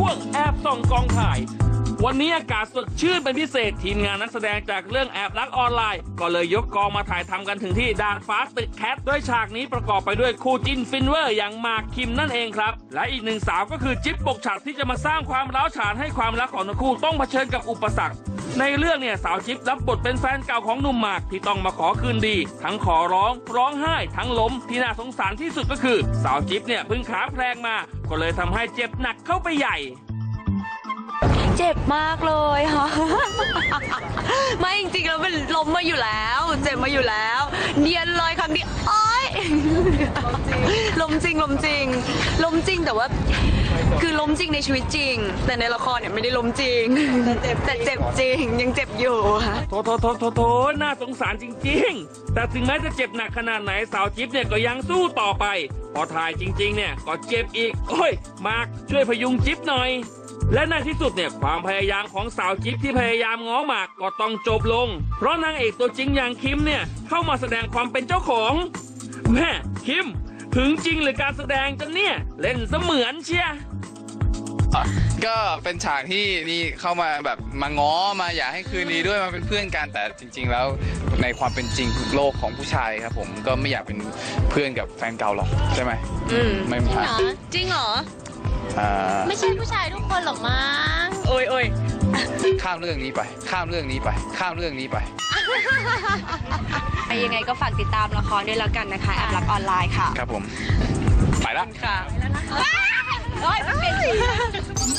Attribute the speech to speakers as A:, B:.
A: วงแอบส่องกองถ่ายวันนี้อากาศสดชื่นเป็นพิเศษทีมงานนักแสดงจากเรื่องแอบรักออนไลน์ก็เลยยกกองมาถ่ายทำกันถึงที่ดาดฟ้าตึกแคทโดยฉากนี้ประกอบไปด้วยคู่จิ้นฟินเวอร์อย่างหมากคิมนั่นเองครับและอีกหนึ่งสาวก็คือจิ๊บปกฉัดที่จะมาสร้างความร้าวฉานให้ความรักของทั้งคู่ต้องเผชิญกับอุปสรรคในเรื่องเนี่ยสาวจิ๊บรับบทเป็นแฟนเก่าของหนุ่มหมากที่ต้องมาขอคืนดีทั้งขอร้องไห้ทั้งล้มที่น่าสงสารที่สุดก็คือสาวจิ๊บเนี่ยเพิ่งขาแพลงมาก็เลยทำให้เจ็บหนักเข้าไปใหญ่
B: เจ็บมากเลยค่ะ ไม่จริงๆแล้วมันล้มมาอยู่แล้วเจ็บมาอยู่แล้วเนียนเลยครั้งนี้โอ๊ยล้มจริงแต่ว่าคือล้มจริงในชีวิตจริงแต่ในละครเนี่ยไม่ได้ล้มจริงแต่เจ็บจริงยังเจ็บอยู่ค่ะ
A: โถน่าสงสารจริงๆแต่ถึงแม้จะเจ็บหนักขนาดไหนสาวจิ๊บเนี่ยก็ยังสู้ต่อไปพอถ่ายจริงๆเนี่ยก็เจ็บอีกโอ้ยมากช่วยพยุงจิ๊บหน่อยและในที่สุดเนี่ยความพยายามของสาวจิ๊บที่พยายามง้อหมากก็ต้องจบลงเพราะนางเอกตัวจริงอย่างคิมเนี่ยเข้ามาแสดงความเป็นเจ้าของแม่คิมถึงจริงหรือการแสดงจังเนี่ยเล่นเสมือนเชีย
C: ก็เป็นฉากที่นี่เข้ามาแบบมาง้อมาอยากให้คืนดีด้วยมาเป็นเพื่อนกันแต่จริงๆแล้วในความเป็นจริงโลกของผู้ชายครับผมก็ไม่อยากเป็นเพื่อนกับแฟนเก่าหรอกใช่ไหมไม่
B: จริงเหรอจริงเหรอ
D: ไม่ใช่ผู้ชายทุกคนหรอกมั้ง
B: โอ้ย
C: ข้ามเรื่องนี้ไป
B: ยังไงก็ฝากติดตามละครด้วยแล้วกันนะคะแอบรักออนไลน์ค่ะ
C: ครับผมไปละ
B: ค่ะ